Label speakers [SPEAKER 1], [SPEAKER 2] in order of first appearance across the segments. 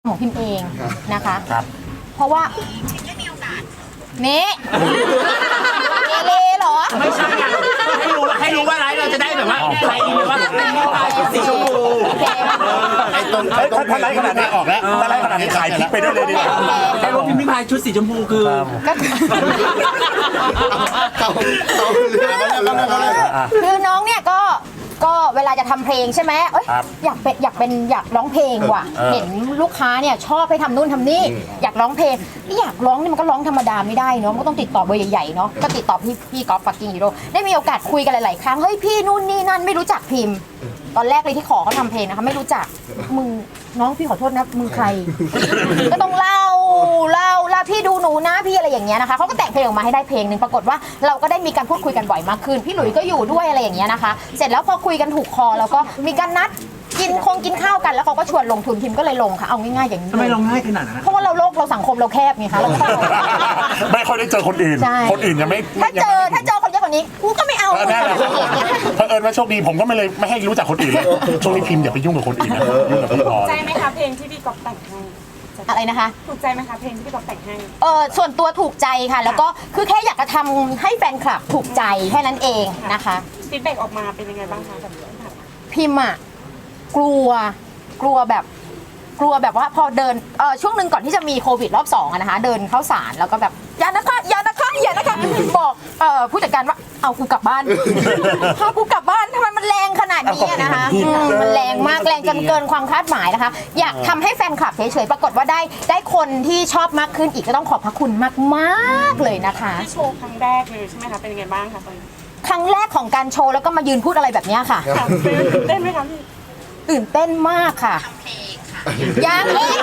[SPEAKER 1] ของพิมพ์เองนะคะ
[SPEAKER 2] ครับ
[SPEAKER 1] เพราะว่านี่เอเลเหรอ
[SPEAKER 3] ไม่ใช่อะให้รู้ว่าอะไรเราจะได้แบบว่าใครดีว่าสีชมพู
[SPEAKER 2] ไอ้ต้นถ้าไล่ขนาดนี้ออกแล้วถ้าไล่ขนาดนี้ขายพริกไปด้วยเลยดีกว่า
[SPEAKER 3] ให้รู้พิมพ์ริพายชุดสีชมพูคือ
[SPEAKER 1] ก็คือน้องเนี่ยก็เวลาจะทำเพลงใช่ไหมเอ้ยอยากร้องเพลงว่ะเห็นลูกค้าเนี่ยชอบให้ทำนู่นทำนี่อยากร้องเพลงอยากร้องนี่มันก็ร้องธรรมดาไม่ได้เนาะมันก็ต้องติดต่อเบอร์ใหญ่ๆเนาะก็ติดต่อพี่กอล์ฟฟักกิ้งฮีโร่ได้มีโอกาสคุยกันหลายๆครั้งเฮ้ยพี่นู่นนี่นั่นไม่รู้จักพิมพ์ตอนแรกเลยที่ขอเขาทำเพลงนะคะไม่รู้จักมึงน้องพี่ขอโทษนะมึงใคร ก็ต้องเล่าพี่ดูหนูนะพี่อะไรอย่างเงี้ยนะคะเขาก็แต่งเพลงออกมาให้ได้เพลงหนึ่งปรากฏว่าเราก็ได้มีการพูดคุยกันบ่อยมากขึ้นพี่หลุยส์ก็อยู่ด้วยอะไรอย่างเงี้ยนะคะเสร็จแล้วพอคุยกันถูกคอแล้วก็มีการนัดกินข้าวกันแล้วเขาก็ชวนลงทุนพิมก็เลยลงค่ะเอาง่ายๆอย่างนี้
[SPEAKER 3] ทำไมลงง่ายขนาดนั้น
[SPEAKER 1] เพราะว่าเราสังคมเราแคบไงคะเรา
[SPEAKER 2] ไม่ค่อยได้เจอคนอื่น คนอื่นยังไม่
[SPEAKER 1] ถ้าเจอคนเยอะกว่านี้กูก็ไม่เอา
[SPEAKER 2] แน่เลยเผอิญว่าโชคดีผมก็ไม่ให้รู้จักคนอื่นเลยช่วงนี้พิมพ์อย่าไปยุ่งกับคนอื่นนะยุ่งกับพี่พร
[SPEAKER 4] ใจไหมคะเพลงที่พี่ก๊อฟแต่งให้
[SPEAKER 1] อะไรนะคะ
[SPEAKER 4] ถูกใจไหมคะเพลงที่พี่ก๊อฟแต่งให้
[SPEAKER 1] ส่วนตัวถูกใจค่ะ แล้วก็คือแค่อยากจะทำให้แฟนคลับถูกใจแค่นั้นเองนะคะ
[SPEAKER 4] ฟีดแบ็กออกมาเป็นยังไงบ้างคะแบบนี้ค่ะ
[SPEAKER 1] พิมพ์อะกลัวแบบว่าพอเดินช่วงหนึ่งก่อนที่จะมีโควิดรอบ2อะนะคะเดินเข้าศาลแล้วก็แบบอย่านะคะบอกผู้จัดการว่าเอากูกลับบ้านพากูกลับบ้านทำไมมันแรงขนาดนี้อะนะคะมันแรงมากแรงจนเกินความคาดหมายนะคะอยากทำให้แฟนคลับเฉยๆปรากฏว่าได้คนที่ชอบมากขึ้นอีกก็ต้องขอบพระคุณมากๆเลยนะคะ
[SPEAKER 4] ที่โชว์ครั้งแรกเลยใช่ไหมคะเป็นยังไงบ้างคะตอนนี้
[SPEAKER 1] ครั้งแรกของการโชว์แล้วก็มายืนพูดอะไรแบบนี้ค่ะ
[SPEAKER 4] ตื่นเต้นไหมคะพี่
[SPEAKER 1] ตื่นเต้นมากค่ะยังอีก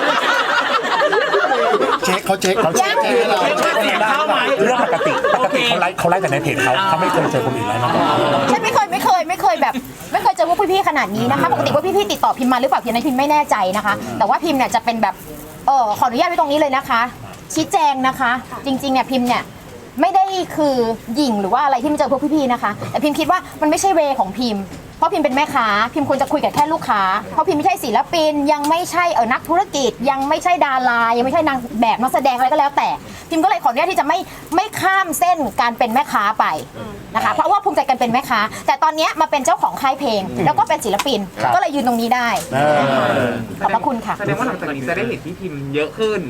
[SPEAKER 2] เขาเช็คเราเรื่องปกติเขาไล่แต่ในเพจเขาไม่เคยเจอคนอื่นไล่มาก่อน
[SPEAKER 1] ฉันไม่เคยแบบไม่เคยเจอพวกพี่ๆขนาดนี้นะคะปกติว่าพี่ๆติดต่อพิมพ์มาหรือเปล่าพิมพ์นั้นพิมพ์ไม่แน่ใจนะคะแต่ว่าพิมพ์เนี่ยจะเป็นแบบขออนุญาตไว้ตรงนี้เลยนะคะชี้แจงนะคะจริงๆเนี่ยพิมพ์เนี่ยไม่ได้คือหยิ่งหรือว่าอะไรที่มันเจอพวกพี่ๆนะคะแต่พิมพ์คิดว่ามันไม่ใช่เวของพิมพ์เพราะพิมพ์เป็นแม่ค้าพิมพ์ควรจะคุยกับแค่ลูกค้าเพราะพิมพ์ไม่ใช่ศิลปินยังไม่ใช่นักธุรกิจยังไม่ใช่ดารายังไม่ใช่นางแบบนักแสดงอะไรก็แล้วแต่พิมพ์ก็เลยขออนุญาตที่จะไม่ข้ามเส้นการเป็นแม่ค้าไปนะคะเพราะว่าภูมิใจกันเป็นแม่ค้าแต่ตอนนี้มาเป็นเจ้าของค่ายเพลงแล้วก็เป็นศิลปินก็เลยยืนตรงนี้ได้ขอบพระคุณค่ะ
[SPEAKER 5] แสดงว่าหลังจากนี้จะได้เห็นพี่พิมพ์เยอะขึ้น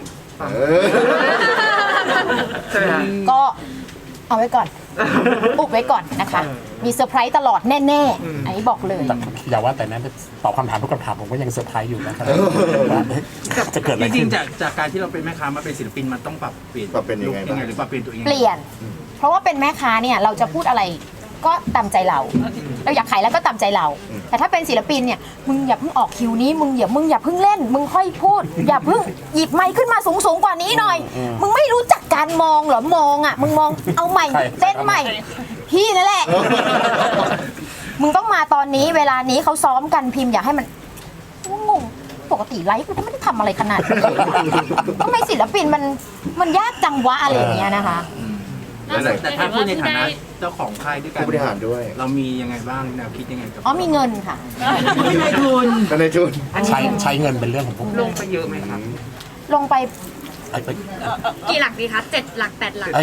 [SPEAKER 5] ใช่ไหมฮะ
[SPEAKER 1] ก็เอาไว้ก่อนอุบไว้ก่อนนะคะมีเซอร์ไพรส์ตลอดแน่ๆอันนี้บอกเลย
[SPEAKER 2] อย่าว่าแต่นั้นตอบคำถามทุกคำถามผมก็ยังเซอร์ไพรส์อยู่นะครับว่าจะเกิดอะไร
[SPEAKER 3] จริ
[SPEAKER 2] ขึ้
[SPEAKER 3] ง
[SPEAKER 2] น
[SPEAKER 3] ๆจากการที่เราเป็นแม่ค้ามาเป็นศิลปินมันต้องปรับเปลี่ยน
[SPEAKER 6] ปรับเป็นยังไงบ้าง
[SPEAKER 3] หรือปรับเปลี่ยนตัวเอง
[SPEAKER 1] เปลี่ยน เพราะว่าเป็นแม่ค้าเนี่ยเราจะพูดอะไรก็ตามใจเราอยากขายแล้วก็ตามใจเรา แต่ถ้าเป็นศิลปินเนี่ยมึงอย่าเพิ่งออกคิวนี้มึงอย่าเพิ่งเล่นมึงค่อยพูดอย่าเพิ่งหยิบไมค์ขึ้นมาสูงกว่านี้หน่อยมึงไม่รู้จักการมองเหรอมองอ่ะมึงมองเอาใหม่เต้นใหม่พี่นั่นแหละมึงต้องมาตอนนี้เวลานี้เขาซ้อมกันพิมพ์อยากให้มันงงปกติไลฟ์กูก็ไม่ได้ทำอะไรขนาดนี้ทำไมศิลปินมันยากจังวะอะไรอย่างเงี้ยนะคะ
[SPEAKER 3] แต่ถ้าพูดในฐานะเจ้าของค่ายด้วยกัน
[SPEAKER 6] ผู้บริหารด้วย
[SPEAKER 3] เรามียังไงบ้างแนวคิดยังไงกับ
[SPEAKER 1] มีเงินค่ะ
[SPEAKER 3] ไม่ได้ทุน
[SPEAKER 6] ในทุน
[SPEAKER 2] ใช้เงินเป็นเรื่องของผม
[SPEAKER 5] ลงไปเยอะไหมครับ
[SPEAKER 1] ลงไป
[SPEAKER 4] กี่หลักดีคะ7 หลัก 8 หลัก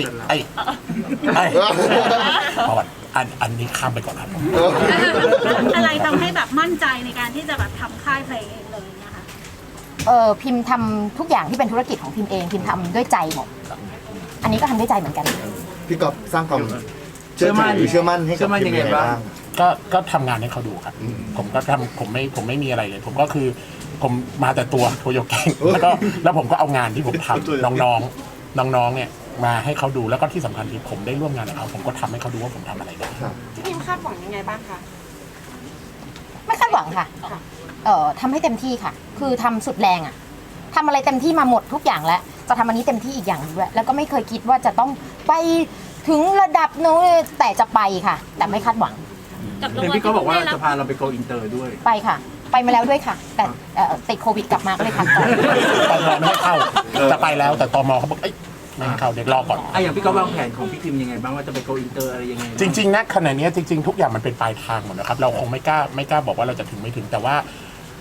[SPEAKER 2] ประวัติอันนี้ข้ามไปก่อนครับ
[SPEAKER 7] อะไรทำให้แบบมั่นใจในการที่จะแบบทำค่ายเพลงเองเลยนะคะ
[SPEAKER 1] พิมพ์ทำทุกอย่างที่เป็นธุรกิจของพิมพ์เองพิมพ์ทำด้วยใจหมดอันนี้ก็ทำด้วยใจเหมือนกัน
[SPEAKER 6] พี่ก๊อฟสร้างความเชื่อมั่นให้กับทีมยังไงบ้าง
[SPEAKER 2] ก็ทำงานให้เขาดูครับผมก็ทำผมไม่มีอะไรเลย ผมก็คือผมมาแต่ตัวโทโยเก่งแล้วผมก็เอางานที่ผมทำน้องเนี่ยมาให้เขาดูแล้วก็ที่สำคัญคือผมได้ร่วมงานกับเขาผมก็ทำให้เขาดูว่าผมทำอะไรได้
[SPEAKER 4] พี่พิมคาดหวังยังไงบ้างคะ
[SPEAKER 1] ไม่คาดหวังค่ะทำให้เต็มที่ค่ะ คือทำสุดแรงอะทำอะไรเต็มที่มาหมดทุกอย่างแล้วจะทำอันนี้เต็มที่อีกอย่างด้วยแล้วก็ไม่เคยคิดว่าจะต้องไปถึงระดับนู้นแต่จะไปค่ะ แต่ไม่คาดหวัง
[SPEAKER 3] เห็นพี่ก็บอกว่าจะพาเราไปโกอินเตอร์ด้วย
[SPEAKER 1] ไปค่ะ ไปมาแล้วด้วยค่ะ แต่ติดโควิดกลับมาก็เลยพักก่อน
[SPEAKER 2] ตมไม่ให้เข้าจะไปแล้วแต่ตมเขาบอกไม่ให้เข้าเด็กรอก่อน
[SPEAKER 3] อย่างพี่ก็วางแผนของพี่พิมยังไงบ้างว่าจะไปโกอินเตอร์อะไรยังไง
[SPEAKER 2] จริงๆนะขณะนี้จริงๆทุกอย่างมันเป็นปลายทางหมดนะครับเราคงไม่กล้าบอกว่าเราจะถึงไม่ถึงแต่ว่า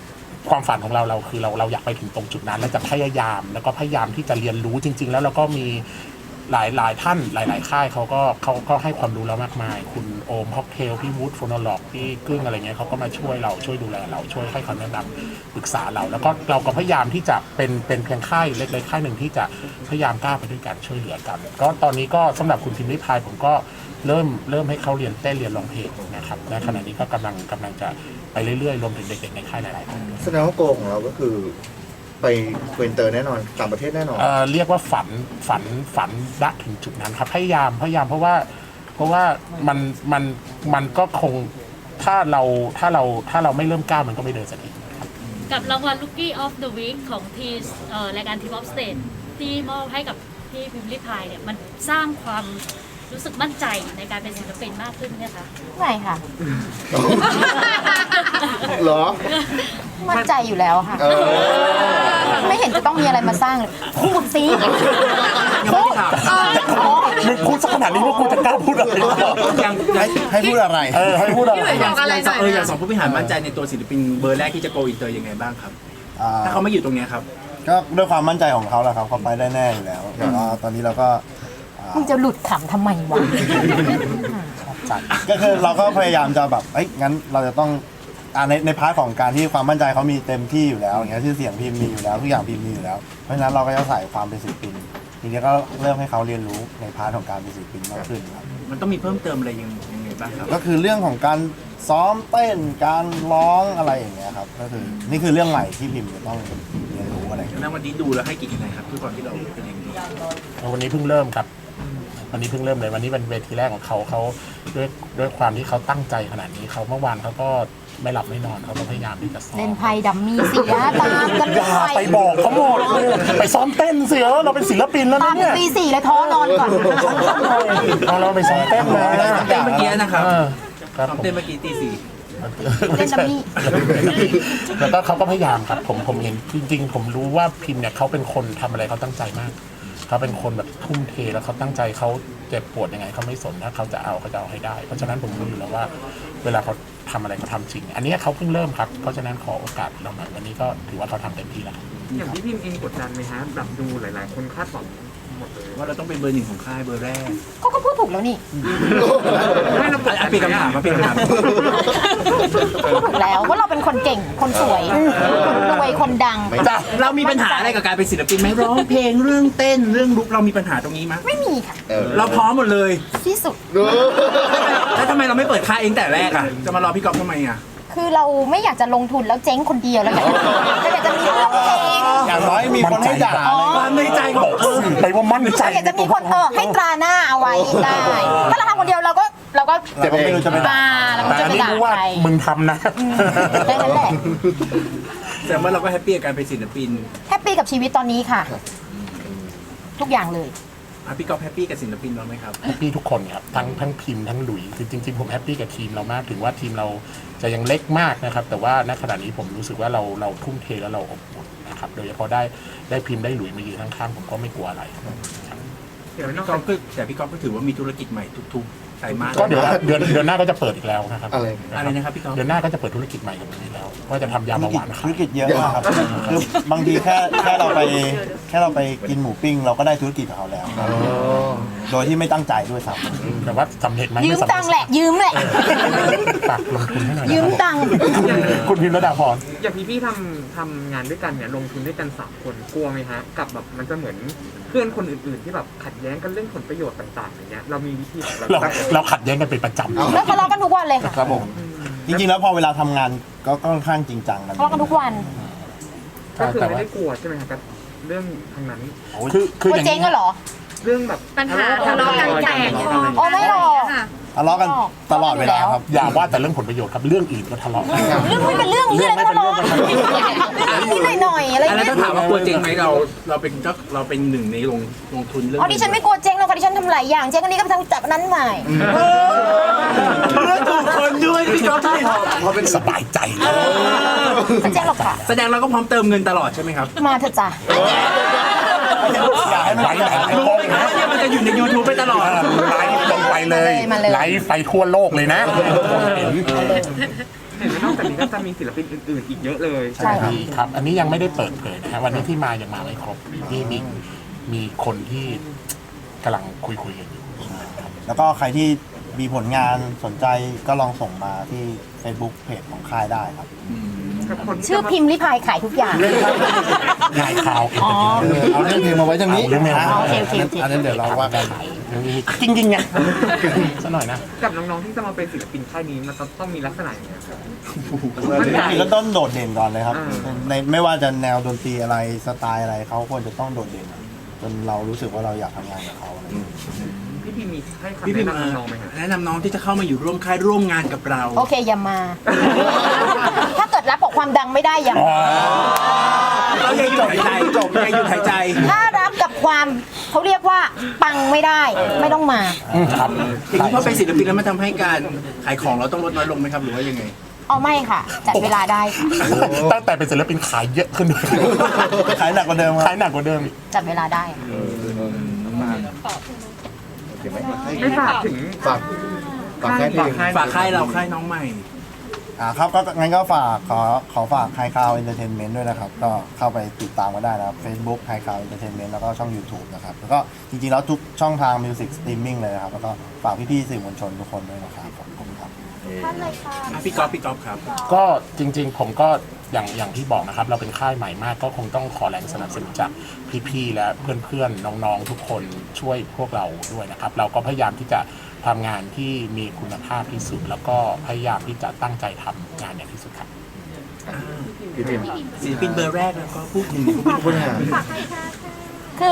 [SPEAKER 2] ความฝันของเราคือเราอยากไปถึงตรงจุดนั้น แล้วจะพยายามแล้วก็พยายามที่จะเรียนรู้จริง ๆ แล้วเราก็มีหลายท่านหลายค่ายเขาก็ให้ความรู้เรามากมายคุณโอมฮอกเทลพี่วูดโฟโนโลกพี่กึ้งอะไรเงี้ยเขาก็มาช่วยเราช่วยดูแลเราช่วยให้คำแนะนำปรึกษาเราแล้วก็เราก็พยายามที่จะเป็นเพียงค่ายเล็กๆค่ายหนึ่งที่จะพยายามก้าวไปด้วยกันช่วยเหลือกันก็ตอนนี้ก็สำหรับคุณพิมพ์ริพายผมก็เริ่มให้เขาเรียนเต้นเรียนร้องเพลงนะครับและขณะนี้ก็กำลังจะไปเรื่อยๆรวมถึงเด็กๆในค่ายหลายๆคนด้วย
[SPEAKER 6] แสดงว่าโกของเราก็คือไปเวนเตอร์แน่นอนต่างประเทศแน่นอน
[SPEAKER 2] เรียกว่าฝันณถึงจุดนั้นครับพยายามเพราะว่ามันก็คงถ้าเราไม่เริ่มก้าวมันก็ไม่เดินสักทีครับ
[SPEAKER 8] กับรางวัล Rookie of the Week ของทีรายการ Team of Stage ที่มอบให้กับพี่พิมพ์ริพายเนี่ยมันสร้างความรู้สึกมั่นใจในการเป็นศิลปินมากขึ้นไหมคะ
[SPEAKER 1] ไม่ค่ะ
[SPEAKER 6] เหรอ
[SPEAKER 1] มั่นใจอยู่แล้วค่ะ ไม่เห็นจะต้องมีอะไรมาสร้างเลยพูดสิพูด
[SPEAKER 2] มึงพูดสักขนาดนี้ว่ากูจะกล้าพูดอะไร
[SPEAKER 6] ให้พูดอะไร
[SPEAKER 2] ให้พูดอะไร
[SPEAKER 3] อย่างสองผู้บริหารมั่นใจในตัวศิลปินเบอร์แรกที่จะโกอินเตอร์ยังไงบ้างครับถ้าเขาไม่อยู่ตรงเนี้ยครับ
[SPEAKER 9] ก็ด้วยความมั่นใจของเขาแหละครับเขาไปได้แน่อยู่แล้วแต่ว่าตอนนี้เราก็
[SPEAKER 1] มึงจะหลุดขำทำไมวะ
[SPEAKER 9] ก็คือเราก็พยายามจะแบบงั้นเราจะต้องในพาร์ทของการที่ความมั่นใจเขามีเต็มที่อยู่แล้วอย่างเงี้ยชื่อเสียงพิมพ์มีอยู่แล้วทุกอย่างพิมพ์มีอยู่แล้วเพราะฉะนั้นเราก็จะใส่ความเป็นศิลปินทีนี้ก็เริ่มให้เขาเรียนรู้ในพาร์ทของการเป็นศิลปินมากขึ้นครับ
[SPEAKER 3] มันต้องมีเพิ่มเติมอะไรยังไงบ้างครับ
[SPEAKER 9] ก็คือเรื่องของการซ้อมเต้นการร้องอะไรอย่างเงี้ยครับก็คือนี่คือเรื่องใหม่ที่พิมพ์จะต้องเรียนรู้อะไรอย่างเงี้ย
[SPEAKER 3] แล้ววันนี้ดูแล้วให้กี่คะแนนครับทุกคนที่เราเป็นอย่างนี้
[SPEAKER 2] วันนี้เพิ่งเริ่มครับวันนี้เพิ่งเริ่มเลยวันนี้เป็นเวทีแรกของเขาด้วยความที่เขาตั้งใจขนาดนี้เขาเมื่อวานเขาก็ไม่หลับไม่นอนเขาก็พยายามที่จะซ้อม
[SPEAKER 1] เล่นไพ่ดัมมี่เสียตามกัน
[SPEAKER 2] อย่าไปบอกเขาหมดไปซ้อมเต้นเสียเราเป็นศิลปินแล้ว
[SPEAKER 1] ตา
[SPEAKER 2] นะ
[SPEAKER 1] ม
[SPEAKER 2] เนี่ย
[SPEAKER 1] ปี4เลยท้อนอนก่อน
[SPEAKER 2] เราไปซ้อมเต้นนะ
[SPEAKER 3] เต้นเมื่อกี้นะครับ
[SPEAKER 2] ครับ
[SPEAKER 3] เต้นเมื่อกี้ตี 4
[SPEAKER 1] เล่นดัมมี่
[SPEAKER 2] แล้วก็เขาก็พยายามครับผมเห็นจริงๆผมรู้ว่าพิมพ์เนี่ยเขาเป็นคนทำอะไรเขาตั้งใจมากเขาเป็นคนแบบทุ่มเทแล้วเขาตั้งใจเขาเจ็บปวดยังไงเขาไม่สนถ้าเขาจะเอาให้ได้เพราะฉะนั้นผมรู้อยู่แล้วว่าเวลาเขาทำอะไรเขาทำจริงอันนี้เขาเพิ่งเริ่มครับเพราะฉะนั้นขอโอกาสเราหน่อยวันนี้ก็ถือว่าเขาทำเต็มที่แล้ว
[SPEAKER 5] อย่างพี่พิมเองกดดันไหมฮะแบบดูหลาย ๆ คนคาดหวังหมดเลย
[SPEAKER 3] ว่าเราต้องเป็นเบอร์ 1ของค่ายเบอร์แรก
[SPEAKER 1] เขาก็พูดถูกแล้วนี่
[SPEAKER 5] ไม่เรากดดัน
[SPEAKER 3] เปลี่ยนคำถามมาเปลี่ยนคำถาม
[SPEAKER 1] พูดถูกแล้วว่าเราเป็นคนเก่งคนสวยคนรวยคนดัง
[SPEAKER 3] เรามีปัญหาอะไรกับการเป็นศิลปินไหมร้องเพลงเรื่องเต้นเรื่องลุกเรามีปัญหาตรงนี้ไหม
[SPEAKER 1] ไม่มีค่ะ
[SPEAKER 3] เราพร้อมหมดเลย
[SPEAKER 1] ที่สุด
[SPEAKER 3] แล้วทำไมเราไม่เปิดค่ายเองแต่แรกอ่ะจะมารอพี่ก๊อฟทำไมอ่ะ
[SPEAKER 1] คือเราไม่อยากจะลงทุนแล้วเจ๊งคนเดียวแล้วอยากจะมีเรื่องเพลง
[SPEAKER 9] อย่างน้อยมีคนให้ด่า
[SPEAKER 3] ความในใจของ
[SPEAKER 2] ไปว่ามั่นใจ
[SPEAKER 1] อยากจะมีคนให้ตราหน้าเอาไว้ได้ ถ้าเราทำคนเดียวเราก็
[SPEAKER 9] เราก็ไม่รู้จะไปด่า
[SPEAKER 1] เราก็
[SPEAKER 2] แต่
[SPEAKER 1] จะ
[SPEAKER 2] อัน
[SPEAKER 1] ไป
[SPEAKER 2] นี้
[SPEAKER 1] ด่า
[SPEAKER 2] รู้ว่า
[SPEAKER 1] ใคร
[SPEAKER 2] มึงทำนะ
[SPEAKER 1] แค่นั้นแหละ
[SPEAKER 3] แต่ว่าเราก็แฮปปี้กับการเป็นศิลปิน
[SPEAKER 1] แฮปปี้กับชีวิตตอนนี้ค่ะ ทุกอย่างเลย
[SPEAKER 3] พี่ก๊อฟแฮปปี้กับศิลปินเราไหมครับ
[SPEAKER 2] แฮปปี้ทุกคนครับทั้งพิมพ์ทั้งหลุยคือจริงๆผมแฮปปี้กับทีมเรามากถึงว่าทีมเราจะยังเล็กมากนะครับแต่ว่าณขณะนี้ผมรู้สึกว่าเราทุ่มเทแล้วเราอบอุ่นนะครับโดยเฉพาะได้พิมพ์ได้หลุยมายืนข้างๆผมก็ไม่กลัวอะไร
[SPEAKER 5] เดี๋ยวนอก
[SPEAKER 3] พี่ก๊
[SPEAKER 5] จา
[SPEAKER 3] อก ฟแต่พี่ก๊อฟก็ถือว่ามีธุรกิจใหม่ทุกๆไตรมาส
[SPEAKER 2] ก็เดือนหน้าก็จะเปิดอีกแล้วนะครับ
[SPEAKER 3] อะไรนะครับพี่ก๊อฟ
[SPEAKER 2] เดือนหน้าก็จะเปิดธุรกิจใหม่กับผมอีกแล้วว่าจะทำยาเบาหวาน
[SPEAKER 9] ธุรกิจเยอะมากครับคือบางทีแค่เราไปกินหมูปิ้งเราก็ได้ธุรกิจกับเขาแล้ว โดยที่ไม่ตั้งใจด้วยซ้ำ
[SPEAKER 2] แต่ว่าสำเร็จไหม
[SPEAKER 1] ยืมตังค์แหละ ยืมแหละ
[SPEAKER 2] ฝากลงทุนให้หน่อย
[SPEAKER 1] ยืมตังค์
[SPEAKER 2] คุณพิมพ์ระดาพร
[SPEAKER 5] อย่างพี่ทำงานด้วยกันเนี่ยลงทุนด้วยกัน3 คนกลัวไหมฮะกับแบบมันจะเหมือนเพื่อนคนอื่น ๆ ที่แบบขัดแย้งกันเรื่องผลประโยชน์ต่างๆอย่างเงี้ยเรามีวิธีของเรา
[SPEAKER 2] เราขัดแย้งกันเป็นประจำ
[SPEAKER 1] แล้วทะเลาะกันทุกวันเลยค่ะ
[SPEAKER 9] ครับผมจริงๆแล้วพอเวลาทำงานก็ค่อนข้างจริงจังกัน
[SPEAKER 1] ทะเลาะกันทุกวัน
[SPEAKER 5] ก็คือไม่ได้กลัวใช่ไหมครับกับเรื่องทางนั้น
[SPEAKER 2] คือ
[SPEAKER 1] กลัว
[SPEAKER 2] อย่าง
[SPEAKER 1] เจ๊ง
[SPEAKER 2] นี้
[SPEAKER 1] ก็เหรอ
[SPEAKER 5] เรื่องแบบ
[SPEAKER 4] ปัญหาทะเลาะกันแตกคอ
[SPEAKER 1] โอ้ไม่หรอก
[SPEAKER 9] ทะเลาะกันตลอดเวลาครับ
[SPEAKER 2] อย่าว่าแต่เรื่องผลประโยชน์ครับเรื่องอื่นก็ทะเลาะกัน
[SPEAKER 1] เรื่องไม่เป็นเรื่องนี่อะไรก็ทะเลาะนิดหน่อยๆอะไร
[SPEAKER 3] แล้ว
[SPEAKER 1] เงี้ย
[SPEAKER 3] ถ้าถามว่ากลัวจริงไหมเราเป็นหนึ่งในลงทุนเรื่อง
[SPEAKER 1] อ๋อดิฉันไม่กลัวเจ๊งหรอกค่ะดิฉันทำหลายอย่างเจ๊งอันนี้ก็ไปทำจากนั้นใหม่
[SPEAKER 3] เรื่องถูกคนด้วยพี่ก๊อฟที่
[SPEAKER 2] เพราะเป็นสบายใจเลย
[SPEAKER 1] ไม่เจ๊งหรอกค่ะ
[SPEAKER 3] แสดงเราก็พร้อมเติมเงินตลอดใช่ไหมครับ
[SPEAKER 1] มาเถอะจ้ะ
[SPEAKER 2] อย่าให้มันไหลๆ
[SPEAKER 3] รู้ไหมครับว่าเนี่ยมันจะอยู่ใน YouTube ไปตลอด
[SPEAKER 2] ไลฟ์ลงไปเลยไลฟ์ไปทั่วโลกเลยนะ
[SPEAKER 5] เห็นว่านอกจากนี้ก็จะมีศิลปินอื่นๆอีกเยอะเลย
[SPEAKER 1] ใช่ค่ะ
[SPEAKER 2] ครับ อันนี้ยังไม่ได้เปิดเผยนะฮะวันนี้ที่มายังมาไม่ครบที่มีคนที่กำลังคุยกันอยู่
[SPEAKER 9] แล้วก็ใครที่มีผลงานสนใจก็ลองส่งมาที่ Facebook เพจของค่ายได้ครับ
[SPEAKER 1] ชื่อพิมพ์ลิพายขายทุกอย่าง
[SPEAKER 2] ขายข่าว
[SPEAKER 1] อ๋อ
[SPEAKER 9] เอาเรื่องเพลงมาไว้ตรงนี้
[SPEAKER 2] เอาเรื่องเพลงมาไว้
[SPEAKER 1] โอเคโอเคโอเค
[SPEAKER 9] อันนั้นเดี๋ยวเราว่ากัน
[SPEAKER 2] จริงๆไงซะหน่อยนะ
[SPEAKER 5] กับน้องๆที่จะมาเป็นศิลปินค่ายนี้มันต้องมีลักษณะอย่างเงี้ยครับ
[SPEAKER 9] ก็ต้องโดดเด่นก่อนเลยครับ
[SPEAKER 5] อ่า
[SPEAKER 9] ในไม่ว่าจะแนวดนตรีอะไรสไตล์อะไรเขาควรจะต้องโดดเด่นจนเรารู้สึกว่าเราอยากทำงานกับเขาอะไรอย่างเงี้ย
[SPEAKER 5] พี่พีมีให้คำ
[SPEAKER 3] พี่พิม
[SPEAKER 5] แนะ
[SPEAKER 3] พ์
[SPEAKER 5] นำน้องๆไหมครับ
[SPEAKER 3] แนะนำน้องที่จะเข้ามาอยู่ร่วมค่ายร่วมงานกับเรา
[SPEAKER 1] โอเคอย่ามา ถ้าเกิดรับกับความดังไม่ได้อย่ามา
[SPEAKER 3] เรายังอยู่หายใจจบยังอยู่หายใจ
[SPEAKER 1] ถ้ารับกับความเขาเรียกว่าปังไม่ได้ไม่ต้องมา
[SPEAKER 2] ครับ
[SPEAKER 3] อย่างนี้พอเป็นศิลปินแล้วมันทำให้การขายของเราต้องลดน้อยลงไหมครับหรือว่ายังไง
[SPEAKER 1] เอาไม่ค่ะจัดเวลาได้ค่ะ
[SPEAKER 2] ตั้งแต่เป็นศิลปินขายเยอะขึ้นด้วย
[SPEAKER 9] ขายหนักกว่าเดิมค
[SPEAKER 2] ขา
[SPEAKER 9] รั
[SPEAKER 2] ย
[SPEAKER 9] บ
[SPEAKER 2] หนักกว่าเดิมอีก
[SPEAKER 1] จัดเวลาได้ค่ะ
[SPEAKER 6] โอเคไหม
[SPEAKER 5] ไม่ฝากถึง
[SPEAKER 6] ฝากแค่เพลง
[SPEAKER 3] ฝากค่ายเราค่ายน้องใหม่
[SPEAKER 9] ครับก็งั้นก็ฝากขอฝากไฮคาวเอนเตอร์เทนเมนต์ด้วยนะครับ ก็เข้าไปติดตามกันได้นะครับ Facebook ไฮคาวเอนเตอร์เทนเมนต์แล้วก็ช่อง YouTube นะครับ แล้วก็จริงๆแล้วทุกช่องทางมิวสิกสตรีมมิ่งเลยนะครับ แล้วก็ฝากพี่ๆสื่อมวลชนทุกคนด้วยนะครับขอบคุณครับ
[SPEAKER 3] พี่ก๊อฟครับ
[SPEAKER 2] ก็จริงๆผมก็อย่างที่บอกนะครับ เราเป็นค่ายใหม่มากก็คงต้องขอแรงสนับสนุนจากพี่ๆและเพื่อนๆน้องๆทุกคนช่วยพวกเราด้วยนะครับ เราก็พยายามที่จะทำงานที่มีคุณภาพที่สุด แล้วก็พยายามที่จะตั้งใจทำงานอย่างที่สุดครับ
[SPEAKER 6] พี่พิมพ์
[SPEAKER 3] ศิลปินเบอร์แรกแล้วก็พูดถึง
[SPEAKER 6] พูดหา
[SPEAKER 1] คือ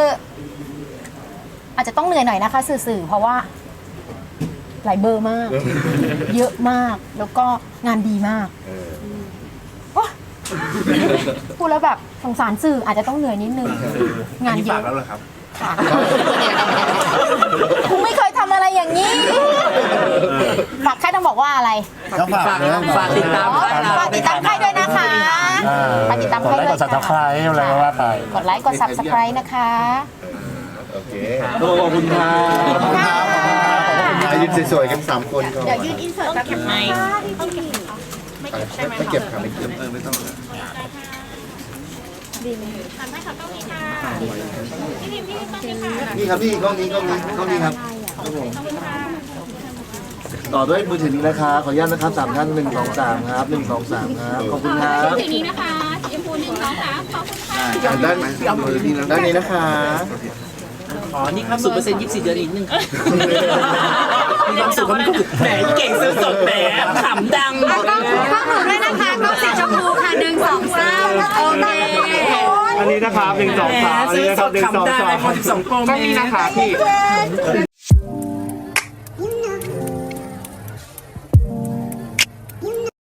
[SPEAKER 1] อาจจะต้องเหนื่อยหน่อยนะคะสื่อๆเพราะว่าหลายเบอร์มาก เยอะมากแล้วก็งานดีมาก
[SPEAKER 6] เออ
[SPEAKER 1] โอ๊ยพูดแล้วแบบสงสารสื่ออาจจะต้องเหนื่อยนิดนึง งานเย
[SPEAKER 3] ฝาก
[SPEAKER 1] อะ
[SPEAKER 3] แล้วเหรอครับ
[SPEAKER 1] ค่ะกูไม่เคยทำอะไรอย่างนี้ฝากใครต้องบอกว่าอะไร
[SPEAKER 9] ก็ฝากเลย
[SPEAKER 3] ฝากติดตาม
[SPEAKER 1] อ๋อ
[SPEAKER 3] ค่ายเรา
[SPEAKER 1] ฝากติดตามค่ายด้วยนะคะฝากติดตาม
[SPEAKER 2] กด
[SPEAKER 1] ค่าย
[SPEAKER 2] ไล
[SPEAKER 1] ด้
[SPEAKER 2] ค์
[SPEAKER 1] ว
[SPEAKER 2] ก
[SPEAKER 1] ย
[SPEAKER 2] ด subscribe อะไรก็ว่าไป
[SPEAKER 1] กดไลค์กด subscribe นะคะ
[SPEAKER 6] โอเค
[SPEAKER 9] ขอบคุณครับขอบคุณครับขอบคุณครับขอบคุณครับ
[SPEAKER 6] ยืนสวยๆกัน3 คนก่อน
[SPEAKER 7] เดี๋ยวยืนอินเสิร์ตแบบไหน
[SPEAKER 6] ไม่เก็บค่ะไม่เก็บไม่ต้อง
[SPEAKER 7] ทำให้เขาต้องมีค่ะพี่พิมพ์พี่ต้องมีค่ะ
[SPEAKER 6] นี่ครับพี่กล้องนี้ครับครับผมต่อด้วยมือถือนี้นะคะขออนุญาตนะครับ3 ท่าน1 2 3ครับ1 2 3ครับขอบคุณครับ
[SPEAKER 7] สีนี้นะคะสีชมพู1 2 3ขอบคุณค่ะ
[SPEAKER 6] ด้านนี้นะคะ
[SPEAKER 3] อ๋อ นี่ครับ0% 24 เดือนอีกนึงมีความสุขครับแหมเก่งซื้อสดแหมขำดัง
[SPEAKER 4] ต้องหนูด้วยนะคะต้องสีชมพูค่ะ1 2 3โอเค
[SPEAKER 9] อันนี้นะครับ1 2 3อันนี้นะครับ1 2 3
[SPEAKER 3] 12 โปร
[SPEAKER 5] ก็มีนะคะพี่